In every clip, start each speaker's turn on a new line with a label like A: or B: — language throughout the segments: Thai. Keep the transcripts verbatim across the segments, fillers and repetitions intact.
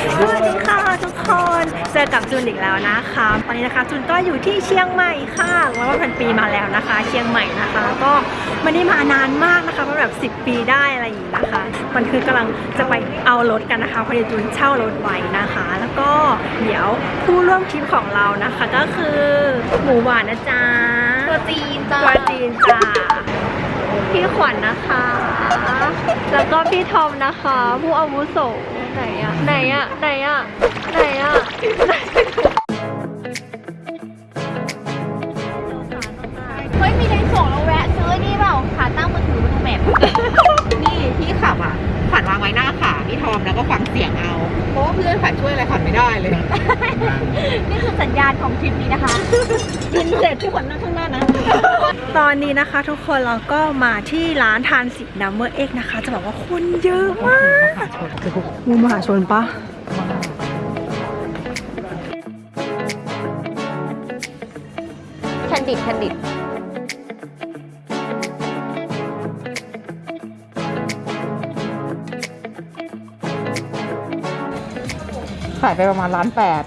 A: สวัสดีค่ะทุกคนเจอกับจูนอีกแล้วนะคะตอนนี้นะคะจูนก็อยู่ที่เชียงใหม่ค่ะแล้วก็พันปีมาแล้วนะคะ เชียงใหม่นะคะก็ไม่ได้มานานมากนะคะประมาณแบบสิบปีได้อะไรอย่างนี้นะคะมันคือกำลังจะไปเอารถกันนะคะพอดีจูนเช่ารถไว้นะคะ แล้วก็เดี๋ยวผู้ร่วมทริปของเรานะคะก็คือหมูหวานนะจ๊ะตัวจีนจ้าตัวจีนจ้าพี่ขวัญนะคะแล้วก็พี่ทอมนะคะผู้อาวุโสไหนอะไหนอะไหนอะไหนอะ
B: เฮ้ยมีในส่งเราแวะซื้อนี่เปล่าขาตั้งมือถือบนแมพ
C: นี่ที่ขับอ่ะขวัญวางไว้หน้าขาพี่ทอมแล้วก็ฟังเสียงเอาเพราะว่าเพื่อนขวัญช่วยอะไรขวัญไม่ได้เลย
B: นี่คือสัญญาณของทริปนี้นะคะกินเสร็จที่ขวัญนั่งข้างหน้านะ
A: ตอนนี้นะคะทุกคนเราก็มาที่ร้านทานสินัมเบอร์เอ็กนะคะจะบอกว่าคนเยอะมากมูมหาชนปะ
B: แคนดิดแคนดิด
C: ขายไปประมาณล้านแปด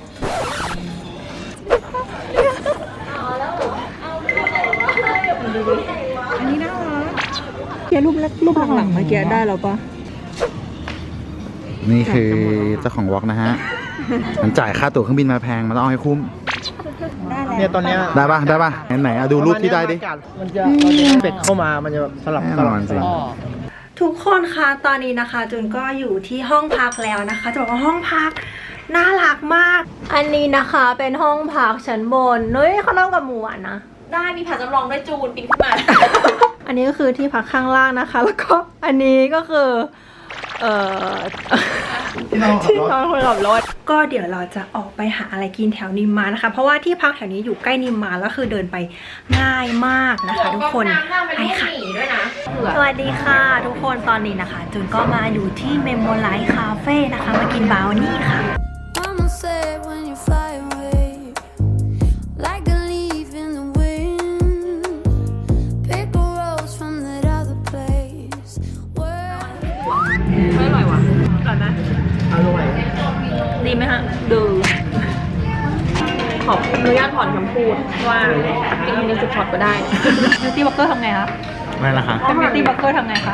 C: อันนี้น่ารักเกียร์รูปรูปหลังๆเมื่อกี้ได้แล้วปะ
D: นี่คือเจ้าของวอล์กนะฮะ มันจ่ายค่าตั๋วเครื่องบินมาแพง มันต้องเอาให้คุ้ม
E: เนี่ยตอนเนี้ย
D: ได้ปะได้ปะไหนๆดูรูปที่ได้ดิ
E: มันจะเป็ดเข้ามา มันจะสลับสลับ
D: จริง
A: ทุกคนคะตอนนี้นะคะจูนก็อยู่ที่ห้องพักแล้วนะคะจะบอกว่าห้องพักน่ารักมากอันนี้นะคะเป็นห้องพักชั้นบนเฮ้ยเขานั่งกับหมูอ่ะนะ
B: ได้มีผัดจำลองด้วยจูนปีนขึ้นมา
A: อันนี้ก็คือที่พักข้างล่างนะคะแล้วก็อันนี้ก็คือเอ่อที่นอนคนขับรถก็เดี๋ยวเราจะออกไปหาอะไรกินแถวนิมมานนะคะเพราะว่าที่พักแถวนี้อยู่ใกล้นิมมานแล้วคือเดินไปง่ายมากนะคะทุกคนไปค่ะสวัสดีค่ะทุกคนตอนนี้นะคะจูนก็มาอยู่ที่เมมโมไลท์คาเฟ่นะคะมากินบราวนี่ค่ะ
C: ไม่อร่อยว่ะอร่อยไหม
E: อร่อย
C: ดีไหมฮะดูขออนุญาตถอนคำพูดว่าเป็นมินิสปอร์ตก็ได้บิวตี้บล็อกเกอร์ทำไงคะ
D: ไม่ละคะ
C: เป็นบิวตี้บล็อกเกอร์ทำไงคะ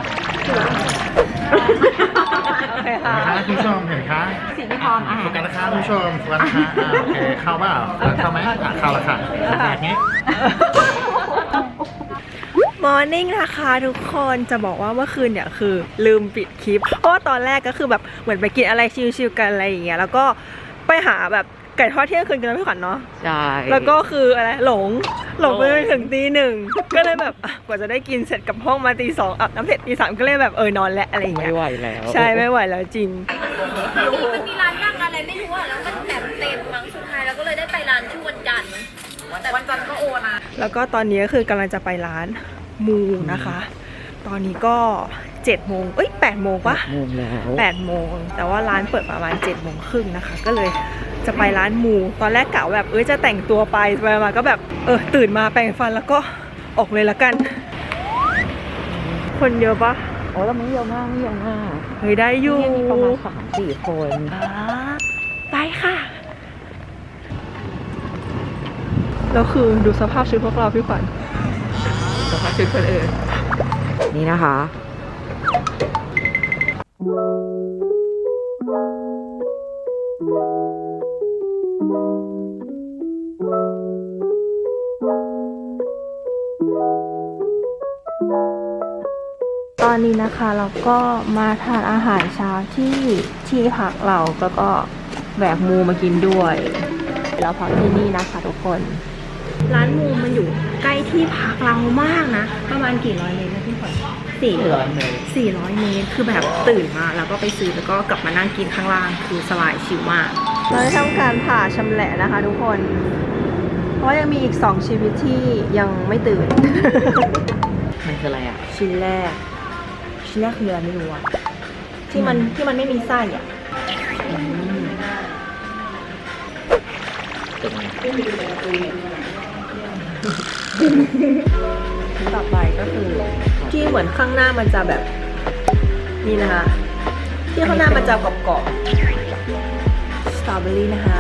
C: โอเคค่ะ
D: คุณผู้ชมเห็นคะ
C: สิ่งที่พรอาหาร
D: โฟกัสนะคะคุณผู้ชมโฟกัสนะคะโอเคเข้าเปล่าเข้าไหมเข้าแล้วค่ะแบบนี้
A: มอร์นิ่งนะคะทุกคนจะบอกว่าเมื่อคืนเนี่ยคือลืมปิดคลิปเพราะว่าตอนแรกก็คือแบบเหมือนไปกินอะไรชิลๆกันอะไรอย่างเงี้ยแล้วก็ไปหาแบบไก่ทอดเที่ยงคืนกันแล้วพี่ขวัญเนาะ
C: ใช่
A: แล้วก็คืออะไรหลงหลงไปถึงตีหนึ่งก็เลยแบบกว่าจะได้กินเสร็จกับห้องมาตีสองอาบน้ำเสร็จตีสามก็เลยแบบเออนอนแล้วอะไรอย่างเงี้ย
C: ไม่ไหวแล้ว
A: ใช่ไม่ไหวแล้วจริง
B: มันมีร้านนั่งอะไรไม่รู้อ่ะแล้วมันแบบเต็มมั้งสุดท้ายเราก็เลยได้ไปร้านชื่อวันจันทร์แต่วันจันทร์ก็โอนะ
A: แล้วก็ตอนนี้ก็คือกำลังจะไปร้านมูนะคะตอนนี้ก็เจ็ดโมงเอ้ยแปดโมงปะ
C: โมงแล้ว
A: แปดโมงแต่ว่าร้านเปิดประมาณเจ็ดโมงครึ่งนะคะก็เลยจะไปร้านมูตอนแรกกะแบบเอ้ยจะแต่งตัวไปไปมาก็แบบเออตื่นมาแปรงฟันแล้วก็ออกเลยละกันคนเยอะปะ
C: โอ้แล้วมึงเยอะมากมึงเยอะมาก
A: เฮ้ยได้อยู่
C: ประมาณสามสี่คน
A: ไปค่ะแล้วคือดูสภาพชุดพวกเราพี่ขวัญ
C: สภาพชุดคนอื่นนี่นะคะ
A: ตอนนี้นะคะเราก็มาทานอาหารเช้าที่ที่พักเราแล้วก็แบกมูมากินด้วยเราพักที่นี่นะคะทุกคนร้านมูมันอยู่ใกล้ที่พักเรามากนะประมาณกี่ร้อยเมตรนะพี่ขวัญสี่ร้อยเมตรสี่ร้อยเมตรคือแบบตื่นมาแล้วก็ไปซื้อแล้วก็กลับมานั่งกินข้างล่างคือสบายชิลมากเราได้ทำการผ่าชำแหละนะคะทุกคนเพราะยังมีอีกสองชีวิตที่ยังไม่ตื่น
C: มันคืออะไรอ่ะ
A: ชิ้นแรกชิ้นแรกคืออะไรไม่รู้อะที่มันที่มันไม่มีไส้อ่ะต่อไปก็คือที่เหมือนข้างหน้ามันจะแบบนี่นะคะที่ข้างหน้ามันจะกรอบๆสตรอเบอรี่นะคะ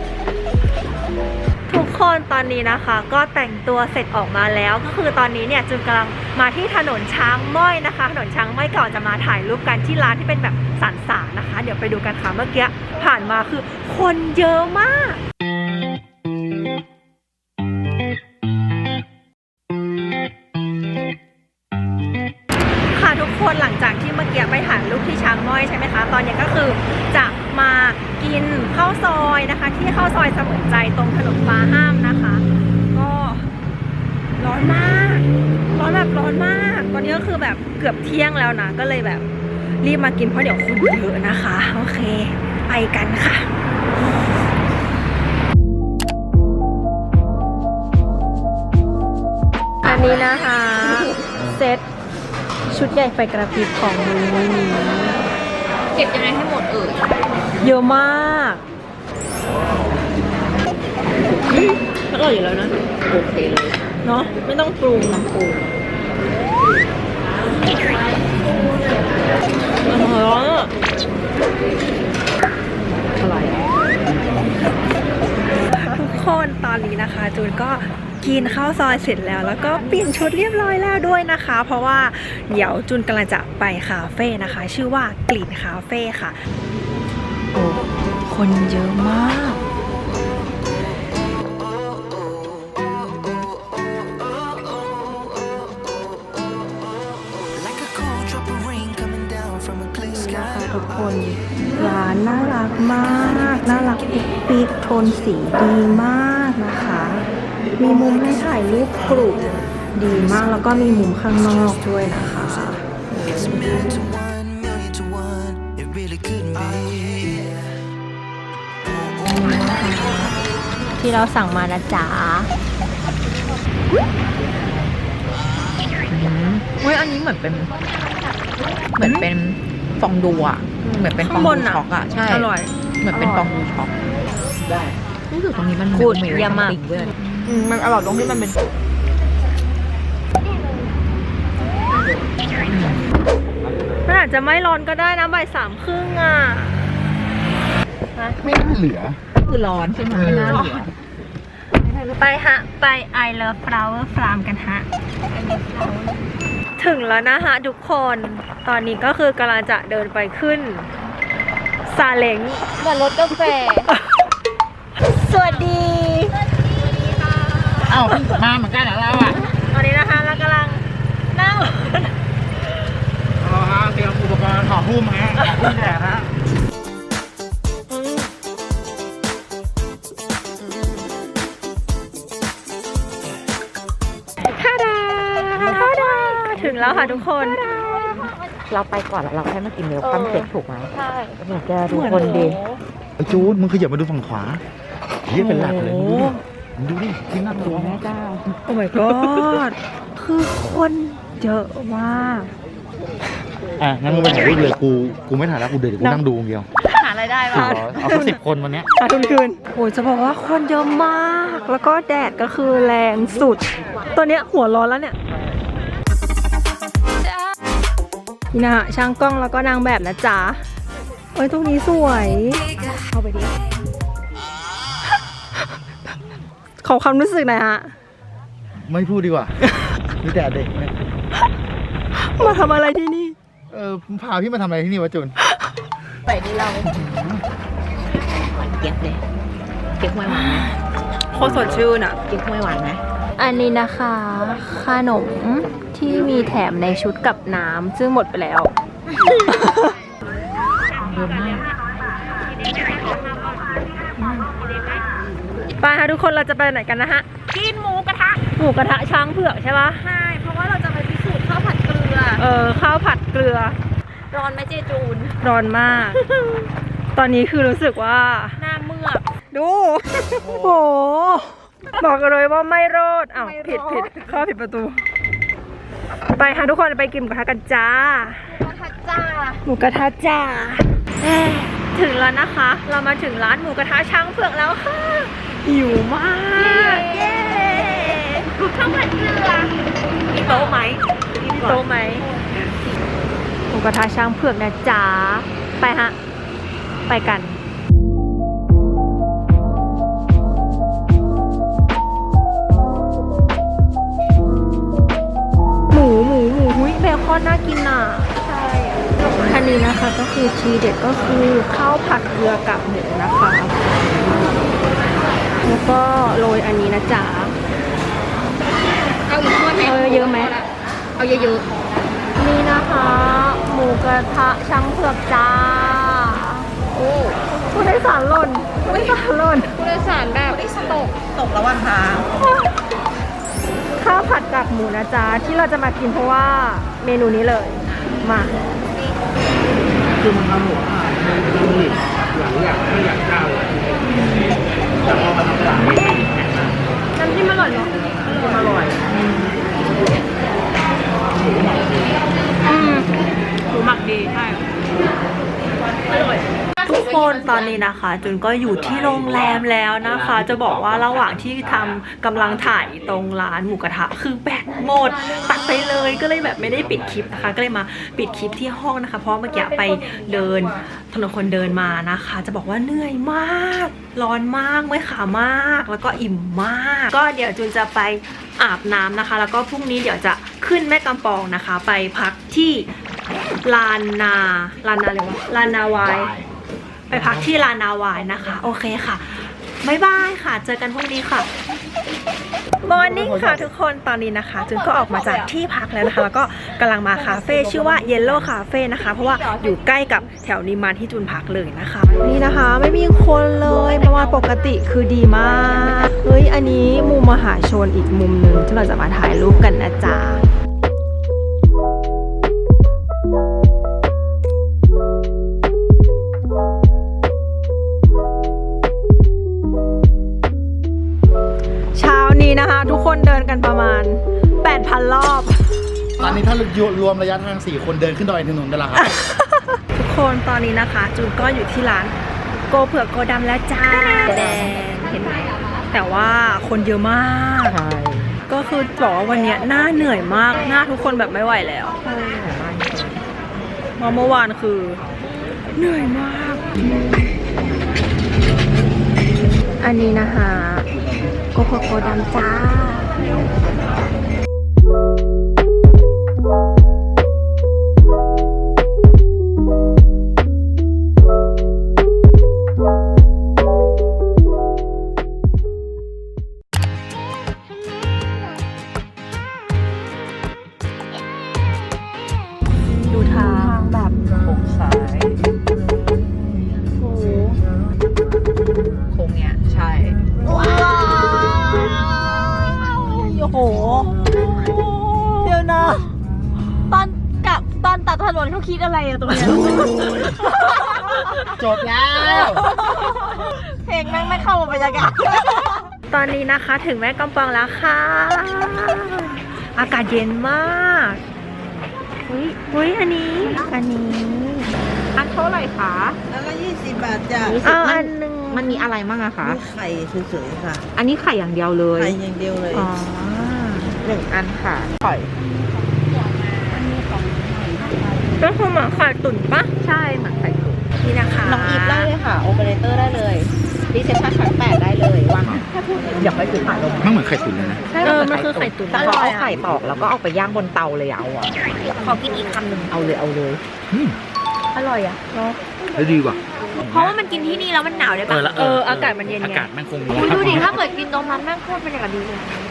A: ทุกคนตอนนี้นะคะก็แต่งตัวเสร็จออกมาแล้วก็คือตอนนี้เนี่ยจูนกำลังมาที่ถนนช้างม้อยนะคะถนนช้างม้อยก่อนจะมาถ่ายรูปกันที่ร้านที่เป็นแบบสันสานนะคะ เดี๋ยวไปดูกันค่ะเมื่อกี้ผ่านมาคือคนเยอะมากค่ะทุกคนหลังจากที่เมื่อกี้ไปถ่ายรูปที่ช้างม้อยใช่ไหมคะตอนนี้ก็คือจะมากินข้าวซอยนะคะที่ข้าวซอยเสมือนใจตรงถนนฟ้าห้ามนะคะก็ร้อนมากร้อนแบบร้อนมากตอนนี้ก็คือแบบเกือบเที่ยงแล้วนะก็เลยแบบรีบมากินเพราะเดี๋ยวคนเยอะนะคะโอเคไปกันค่ะอันนี้นะคะเซตชุดใหญ่ไฟกระพริบของมือนี้
B: เก็บยังไงให้หมดเอ่ย
A: เยอะมากอร่อยอยู่แล้วนะ
C: โอเคเลย
A: เนาะไม่ต้องปรุงน้ำปรุงร้อนอ่ะ
C: อร่อย
A: ทุกคนตอนนี้นะคะจูนก็กินข้าวซอยเสร็จแล้วแล้วก็เปลี่ยนชุดเรียบร้อยแล้วด้วยนะคะ เพราะว่าเดี๋ยวจูนกำลังจะไปคาเฟ่นะคะ ชื่อว่ากลิ่นคาเฟ่ค่ะโอ้คนเยอะมาก นะคะทุกคนร้านน่ารักมากน่ารักปิกโทนสีดีมากนะคะ มีมุมให้ถ่ายรูปกลุ่มดีมากแล้วก็มีมุมข้างนอกด้วยนะคะที่เราสั่งมานะจ๊ะ
C: เฮ้ยอันนี้เหมือนเป็น เหมือนเป็นฟองดูอ่ะ เหมือนเป็นฟองดูช็อกอ่ะ ใช่
A: อร่อย
C: เหมือนเป็นฟองดูช็อกได้รู้สึกตรงนี้มัน
A: กูด
C: มี
A: เยี่ยมมาก
C: ติ่งด้วย
A: อืมมันอร่อยตรงที่มันเป็นมันอาจจะไม่ร้อนก็ได้นะบ่ายสามครึ่งอ่ะ
D: ไม่น่าเหลือ
C: คือร้อนใช่ไหมไม่น่าเหลือ
A: ไปฮะ ไป I Love Flower Farm กันฮะ ถึงแล้วนะฮะทุกคน ตอนนี้ก็คือกำลังจะเดินไปขึ้นซาเล้ง
B: เหมือนรถกาแฟ
A: สวัสดี
D: เอ้ามาเหมือนกันเหรอเราอ่ะ
A: ตอนนี้นะคะเรากำลังนั่ง
D: อ๋อฮะเตรียมอุปกรณ์ห่อหุ้มฮะห่อหุ้มแดดฮะ
A: ท่าดาท่าดาถึงแล้วค่ะทุกคน
C: เราไปก่อนแล้วเราแค่มากินเมลคัมเค้กถูกไหม
A: ใช่
C: อยากจะดูคนดี
D: ไอ้จูนมึงขยับมาดูฝั่งขวาเฮียเป็นหลักเลยมึงดูดิมึงดูดิที่น่ากลัว
C: แม่เจ้า
A: โอ้ my god คือคนเยอะมาก
D: อ่ะงั้นมึงไปถ่ายรูปเลยกูกูไม่ถ่ายแล้วกูเดินกูนั่งดูคนเดียว
A: หารายได้
D: เอา
A: ป่ะ
D: เอาสักสิบคนวันเนี้ย
A: หาทุนคืนโอ้ยจะบอกว่าคนเยอะมาก แล้วก็แดดก็คือแรงสุด ตัวเนี้ยหัวร้อนแล้วเนี่ยนี่นะฮะช่างกล้องแล้วก็นางแบบนะจ๊ะโอ้ยตรงนี้สวยเข้าไปดิ ขอความรู้สึกหน่อยฮะ
D: ไม่พูดดีกว่ามีแต่เด็กเนี่ย
A: มาทำอะไรที่นี่
D: เออพาพี่มาทำอะไรที่นี่วะจูน
C: ไปดีเราหวานเจี๊ยบเลยเก๊กฮวยหวานไหม
A: โคตรสดชื่นอ่ะ
C: เก๊กฮวยหวานไหม
A: อันนี้นะคะขนมที่มีแถมในชุดกับน้ำซึ่งหมดไปแล้ว
C: เยอะมาก
A: ไปค่ะทุกคนเราจะไปไหนกันนะฮะ
B: กินหมูกระทะ
A: หมูกระทะช้างเผือกใช่ปะ
B: ใช่ เพราะว่าเราจะไปพิสูจน์ข้าวผัดเกลือ
A: เออข้าวผัดเกลือ
B: ร้อนไหมเจจูน
A: ร้อนมาก ตอนนี้คือรู้สึกว่า
B: หน้าเมือก
A: ดู โอ้โห บอกกันเลยว่าไม่รอดอ้าวผิดผิดเข้าผิดประตู ไปค่ะทุกคนไปกินหมูกระทะกันจ้า
B: จ้า
A: หมูกระทะจ้าเอ้ยถึงแล้วนะคะ เรามาถึงร้านหมูกระทะช้างเผือกแล้วค่ะ หิวมาก เย้
B: ข้าวผัดเกลือ
A: มีโต๊ะไหมมีโต๊ะไหมหมูกระทะช้างเผือกนะจ๊ะ ไปฮะ ไปกันตรน่ากินอ่ะใช่อันนี้นะคะก็คือทีเด็ดก็คือข้าวผัดเกลือกับหมูนะคะแล้วก็โรยอันนี้นะจ๊ะ
C: เอาอีกถ้วยไหม
A: เอาเยอะไหม
C: เอาเยอะ
A: นี่นะคะหมูกระทะช่างเผือกจ้า
C: ๆโอ้
A: ผู้โดยสารหล่นผู้โดยสารหล่น
C: ผู้โดยสารแบบตกตกระหว่างทาง
A: ข้าวผัดกากหมูนะจ๊ะที่เราจะมากินเพราะว่าเมนูนี้เลยมา
E: คือมันทำหัวอ่ะมันผลิตหลายอย่างไม่อยากเจ้าเลยแต่พอมาทำตลาดไม่ได้กินแค่นั้น
A: น้ำจิ้มอร่อยเนาะ
E: อร่อย
A: อืมหมูหมักดีใช่ทุกคนตอนนี้นะคะจุนก็อยู่ที่โรงแรมแล้วนะคะ จะบอกว่าระหว่างที่ทำกำลังถ่ายตรงร้านหมูกระทะคือแบตหมดตัดไปเลยก็เลยแบบไม่ได้ปิดคลิปนะคะ ก็เลยมาปิดคลิปที่ห้องนะคะ เพราะเมื่อกี้ไปเดินถนนคนเดินมานะคะ จะบอกว่าเหนื่อยมาก ร้อนมากเมื่อยขามากแล้วก็อิ่มมาก ก็เดี๋ยวจุนจะไปอาบน้ำนะคะ แล้วก็พรุ่งนี้เดี๋ยวจะขึ้นแม่กำปองนะคะ ไปพักที่ลานนาลานนาเลยวะลานนาวายไปพักที่ลานนาวายนะคะ โอเคค่ะบ๊ายบายค่ะ เจอกันพรุ่งนี้ค่ะมอร์นิ่งค่ะทุกคนตอนนี้นะคะจุนก็ออกมาจากที่พักแล้วนะคะ แล้วก็กำลังมาคาเฟ่ชื่อว่า Yellow Cafe นะคะ เพราะว่าอยู่ใกล้กับแถวนิมานที่จุนพักเลยนะคะ นี่นะคะไม่มีคนเลยประมาณปกติคือดีมากเฮ้ยอันนี้มุมมหาชนอีกมุมหนึ่งที่เราจะมาถ่ายรูปกันนะจ๊ะเช้านี้นะคะทุกคนเดินกันประมาณ แปดพัน รอบ
D: ตอนนี้ถ้ารวมระยะทางสี่คนเดินขึ้นดอยถนนได้ละครับ
A: ทุกคนตอนนี้นะคะจูนก็อยู่ที่ร้านโกเผือกโกดำแล้วจ้าแดงเห็นไหมแต่ว่าคนเยอะมากก็คือบอกว่าวันนี้หน้าเหนื่อยมากหน้าทุกคนแบบไม่ไหวแล้วเพราะเมื่อวานคือเหนื่อยมาก อันนี้นะคะโกเผือกโกดำจ้าดูทางแบบ
E: โค้งซ้าย
A: โอ้โห
C: โค้งเนี้ยใช่
A: ว้าวโอ้โหเดี๋ยวนะตอนกับตอนตัดถนนเขาคิดอะไรอะตรงเนี้ย
E: จบแล้ว
A: เพลงแม่งไม่เข้ากับบรรยากาศตอนนี้นะคะถึงแม่กำปองแล้วค่ะ อากาศเย็นมากอุ้ยอุ้ยอันนี้ อันนี้
C: อันเท่าไหร่คะ
F: แล้วก็ยี่สิบบาทจ้ะ
A: เอาอันหนึ่ง
C: มันมีอะไรบ้างอะคะ
F: มีไข่สวยๆค่ะ
C: อันนี้ไข่อย่างเดียวเลย
F: ไข่อย่างเดียวเลย
A: อ๋อ
C: หนึ่งอันค่ะไข่
A: ก็คือหมาไข่ตุ๋นปะ
C: ใช่เหมือนไข่ตุ๋น
A: นี่นะคะ
C: น้องอีฟได้เลยค่ะ โอเปอเรเตอร์ได้เลยรีเซพชันชั้นแปดได้เลยวางแค่พูดอยากไปคือถ่ายลง
D: มันเหมือนไข่ตุ๋นเลยนะ
A: เออมันคือไข่ตุ๋น
C: แต่เขาเอาไข่ตอกแล้วก็เอาไปย่างบนเตาเลยเอาอ่ะขอกินอีกคำหนึ่งเอาเลยเอาเลย
D: อืม
A: อร่อยอ่ะเนาะ
D: แล้วดีว่ะ
B: เพราะว่ามันกินที่นี่แล้วมันหนาวได้
D: เอ
B: ปะ
D: อแล้ว
A: เอออากาศมันเย็นไง
D: อากาศแม่งคง
B: อุ๊ยดูดิถ้าเกิดกินตรงนั้นแม่งโคตรบรรยากาศดีเลย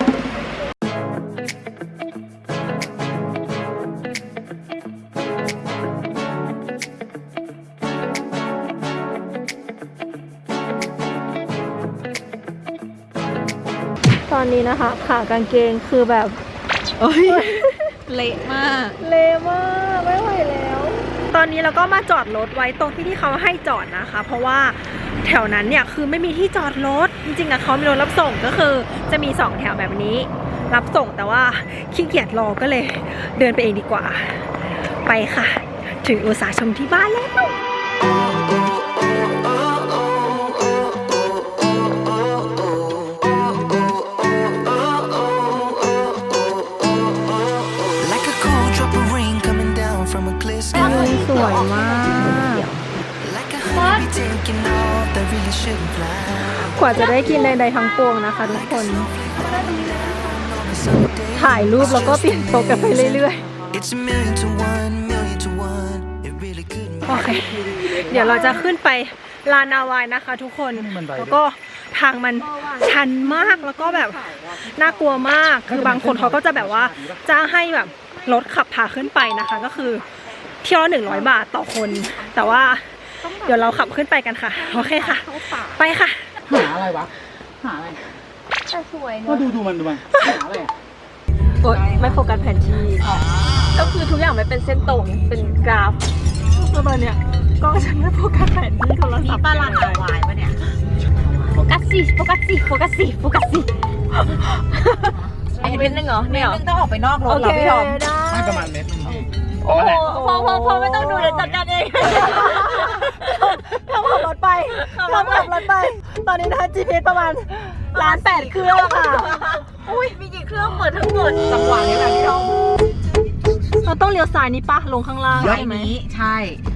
A: ตอนนี้นะคะขากางเกงคือแบบ
C: เละมาก
A: เละมากไม่ไหวแล้ว ตอนนี้เราก็มาจอดรถไว้ตรงที่ที่เขาให้จอดนะคะ เพราะว่าแถวนั้นเนี่ยคือไม่มีที่จอดรถจริงๆอะเขามีรถรับส่งก็คือจะมีสองแถวแบบนี้ รับส่งแต่ว่าขี้เกียจรอก็เลยเดินไปเองดีกว่า ไปค่ะ ถึงอุตสาหชมที่บ้านแล้ว
G: Like a cool drop of rain coming down from a clear sky.
A: สวยมาก
G: Like a honeybee taking off that really shouldn't fly.
A: กว่าจะได้กินใดๆทั้งปวงนะคะทุกคน ถ่ายรูปแล้วก็เปลี่ยนโต๊ะกันไปเรื่อยๆ
G: It's a million to one, million to one. It really couldn't
A: โอเค เดี๋ยวเราจะขึ้นไปลานนาวายนะคะทุกคน แล้วก็ทางมันชันมากแล้วก็แบบน่ากลัวมาก คือบางคนเขาก็จะแบบว่าจ้างให้แบบรถขับพาขึ้นไปนะคะ ก็คือเที่ยวละหนึ่งร้อยบาทต่อคน แต่ว่าเดี๋ยวเราขับขึ้นไปกันค่ะ โอเคค่ะ ไปค่ะ
E: หาอะไรวะ หาอะไร
B: แต่สวย
E: ก็
B: เนาะ
E: ดูดูมันดูมันหาอะไร
A: กดไม่โฟกัสแผนที่
B: ก็คือทุกอย่างมันเป็นเส้นตรงเป็นกราฟ
A: แล้วตอนเนี้ยกล้องฉันไม่โฟกัสแผนที่โทรศัพท์
C: ป้าลานนาวายปะเนี่ย
B: โฟกัสสิโฟกัสสิโฟกัสสิโฟกัสสิอีกนิดนึงเหรอเนี่ยเหรอ
C: นึงต้องออกไปนอกร
A: โอ
C: ถเหร
A: เค
C: อพี่ทอม
A: ได้
E: ไม่ประมาณเมตรนึงพี่
B: โอ้โหพอพอพอไม่ต้องดูเดี๋ยวจัดการเอง
A: ทำขับรถไปทำขับรถไป ตอนนี้นะคะ จี พี เอส ประมาณล้านแปดเครื่องค่ะ
B: อุ้ยมีกี่เครื่องเปิดทั้งหมด
C: จังหวะนี้แหละพี่ทอม
A: เราต้องเลี้ยวซ้ายนี้ปะลงข้างล่าง
C: ไอ้
A: ใช่ไหม
C: นี้ใช่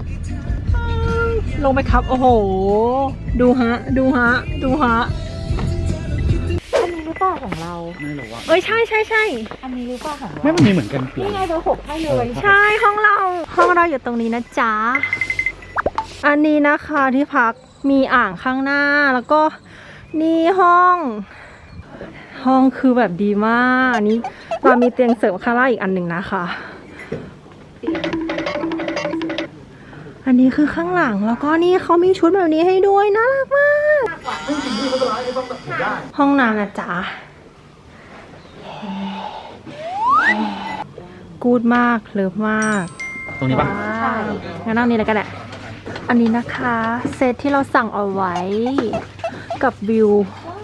A: ลงไปครับ โอ้โห ดูฮะ ดูฮะ ดูฮะ
C: อันนี้หรือเปล่าของเรา
E: ไม่รู้ว่า
A: เอ้ยใช่ใช่ใช่
C: อันนี้หรือเปล่าของเรา
E: ไม่มันมีเหมือนกันเปลี่ยน
C: นี่ไงเบอร์หกให้เลย
A: ใช่ห้องเรา ห้องเราอยู่ตรงนี้นะจ๊ะ อันนี้นะคะที่พักมีอ่างข้างหน้าแล้วก็นี่ห้อง ห้องคือแบบดีมากอันนี้เรามีเตียงเสริมข้างล่างอีกอันหนึ่งนะคะ อันนี้คือข้างหลังแล้วก็นี่เขามีชุดแบบนี้ให้ด้วยน่ารักมาก ห้องน้ำนะจ๊ะกูดมากเลิฟมาก
E: ตรงนี้ปะ
A: ใช่งั้นนั่งนี้เลยก็ได้ อันนี้นะคะเซตที่เราสั่งเอาไว้กับวิว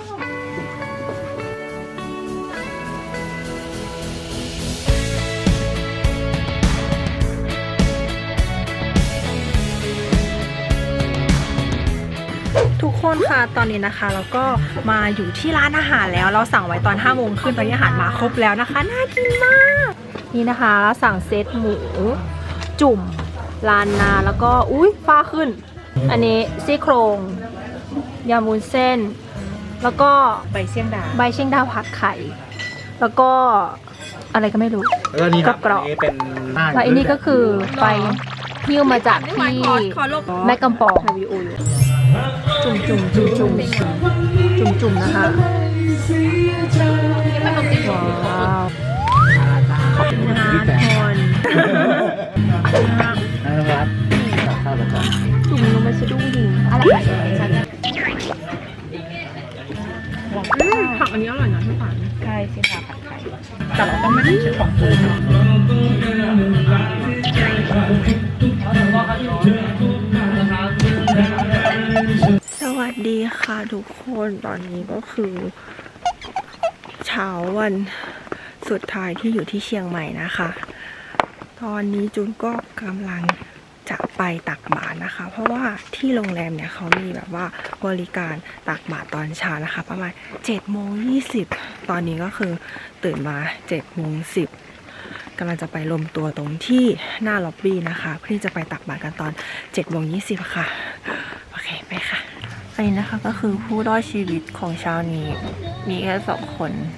A: ทุกคนค่ะตอนนี้นะคะเราก็มาอยู่ที่ร้านอาหารแล้วเราสั่งไว้ตอนห้าโมงขึ้นตอนนี้อาหารมาครบแล้วนะคะน่ากินมากนี่นะคะเราสั่งเซตหมูจุ่มลานนาแล้วก็อุ้ยฟ้าขึ้น อันนี้ซี่โครงยำวุ้นเส้น แล้วก็
C: ใบเชียงดา
A: ใบเชียงดาวผัดไข่ แล้วก็อะไรก็ไม่รู้
E: แล้วนี่ครับ
A: กรอบ
E: อันนี้เป็นหน้า
A: แล้วอันนี้ก็คือไปหิ้วมาจากที่แม่กำปองจุ่มจุ่มจุ่มจุ่มจุ่มจุ่มนะคะว้าวขอบคุณนะทุกคน
E: นะครับข้าวประจำ
A: จุ่มลงมาสะดุ้งหิงอะไรผักอันนี้อร่อยนะพี่ฝัน
C: ใช่เชียงดาผัดไข่แต่เราต้องไม่ใช้ของปูน
A: สวัสดีค่ะทุกคนตอนนี้ก็คือเช้าวันสุดท้ายที่อยู่ที่เชียงใหม่นะคะ ตอนนี้จูนก็กำลังจะไปตักบาตรนะคะ เพราะว่าที่โรงแรมเนี่ยเขามีแบบว่าบริการตักบาตรตอนเช้านะคะ ประมาณเจ็ดโมงยี่สิบตอนนี้ก็คือตื่นมาเจ็ดโมงสิบกำลังจะไปรวมตัวตรงที่หน้าล็อบบี้นะคะเพื่อที่จะไปตักบาตรกันตอนเจ็ดโมงยี่สิบค่ะโอเคไปค่ะอันนี้นะคะก็คือผู้รอดชีวิตของเช้านี้มีแค่สองคน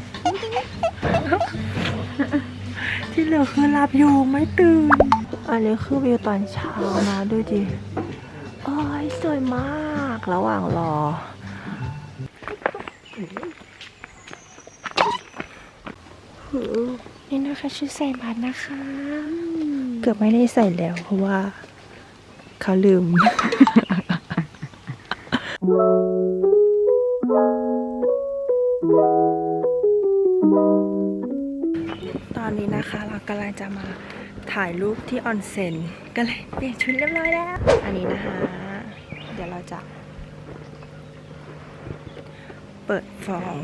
A: ที่เหลือคือหลับอยู่ไม่ตื่น อันนี้คือวิวตอนเช้านะดูดิโอ้ยสวยมากระหว่างรอ นี่นะคะชุดใส่บาตรนะคะ เกือบไม่ได้ใส่แล้วเพราะว่าเขาลืม ตอนนี้นะคะเรากำลังจะมาถ่ายรูปที่ออนเซ็นก็เลยเปลี่ยนชุดเรียบร้อยแล้ว อันนี้นะคะ เดี๋ยวเราจะเปิดฟอง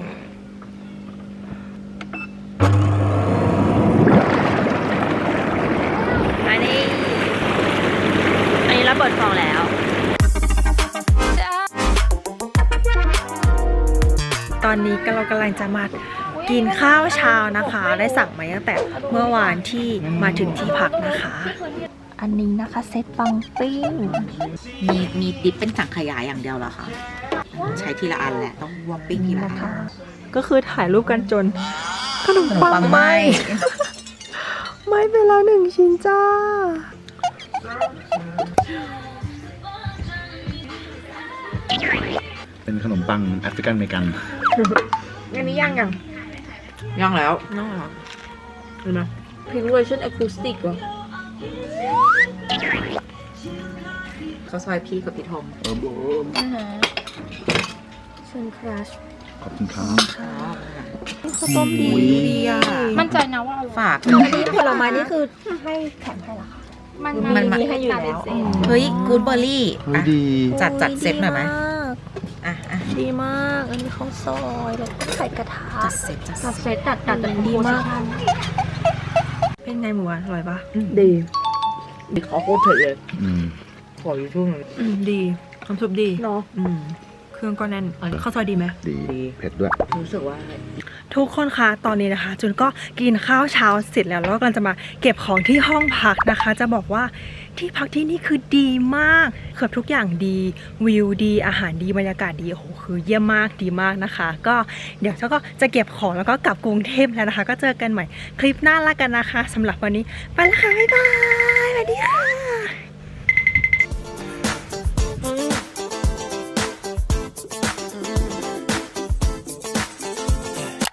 A: อันนี้ อันนี้เราเปิดฟองแล้ว ตอนนี้เรากำลังจะมากินข้าวเช้านะคะ ได้สั่งมาตั้งแต่เมื่อวานที่มาถึงที่พักนะคะ อันนี้นะคะเซตปังปิ้ง
C: มีมีดิปเป็นสังขยาอย่างเดียวเหรอคะใช้ทีละอันแหละต้องวอปปิ้งทีละอัน
A: ก็คือถ่ายรูปกันจนขนมปังไหมไม่เป็นแล้วหนึ่งชิ้นจ้า
D: เป็นขนมปังแอฟริกันอเมริกัน
C: อันนี้ย่างยังย่างแล้วย่างแล้วเห็นไหม
B: พรีเวอร์ชันอะคูสติกเหรอ
C: เขาซอยพี่กับพี่ทอม
D: เออโบ
B: เชนครัช
D: ขอบคุณครับ
A: ข้าวต้มดี
C: ดีอ่ะ
B: มั่นใจนะว่าอร่อย
C: ฝาก
A: อันนี้ผลไม้นี่คือให้แถมให้เหรอคะ
B: มัน
C: มันมัน
B: มีให้อยู่แล้ว
C: เฮ้ยกูดเบอร์รี่
D: เฮ้ยดี
C: จัดจัดเซตหน่อยไหม
A: ดีาก
C: อ่ะอ่ะ
A: ดีมาก อันนี้ข้าวซอยแล้วก็ใส่กระทะ
C: จัดเซตจัด
B: จัด
C: เซ
B: เซ
C: ต
B: ตจัดจัดจัด
A: ดีมาก
C: เป็นไงหมูหวานอร่อยปะ
F: ดีดีขอโคตรเผ็ดเลย
D: อืม
F: ขออยู่ช่วงนึง
A: อืมดีน้ำซุปดี
F: เนาะ
A: อืมเครื่องก็แน่นข้าวซอยดีไหม
D: ดี เผ็ดด้วย
F: รู้สึกว่า
A: ทุกคนคะตอนนี้นะคะจุนก็กินข้าวเช้าเสร็จแล้วแล้วก็กำลังจะมาเก็บของที่ห้องพักนะคะ จะบอกว่าที่พักที่นี่คือดีมากเกือบทุกอย่างดีวิวดีอาหารดีบรรยากาศดีโอ้โหคือเยี่ยมมากดีมากนะคะ ก็เดี๋ยวเจ้าก็จะเก็บของแล้วก็กลับกรุงเทพแล้วนะคะ ก็เจอกันใหม่คลิปหน้าละกันนะคะสำหรับวันนี้ไปแล้วค่ะบ๊ายบาย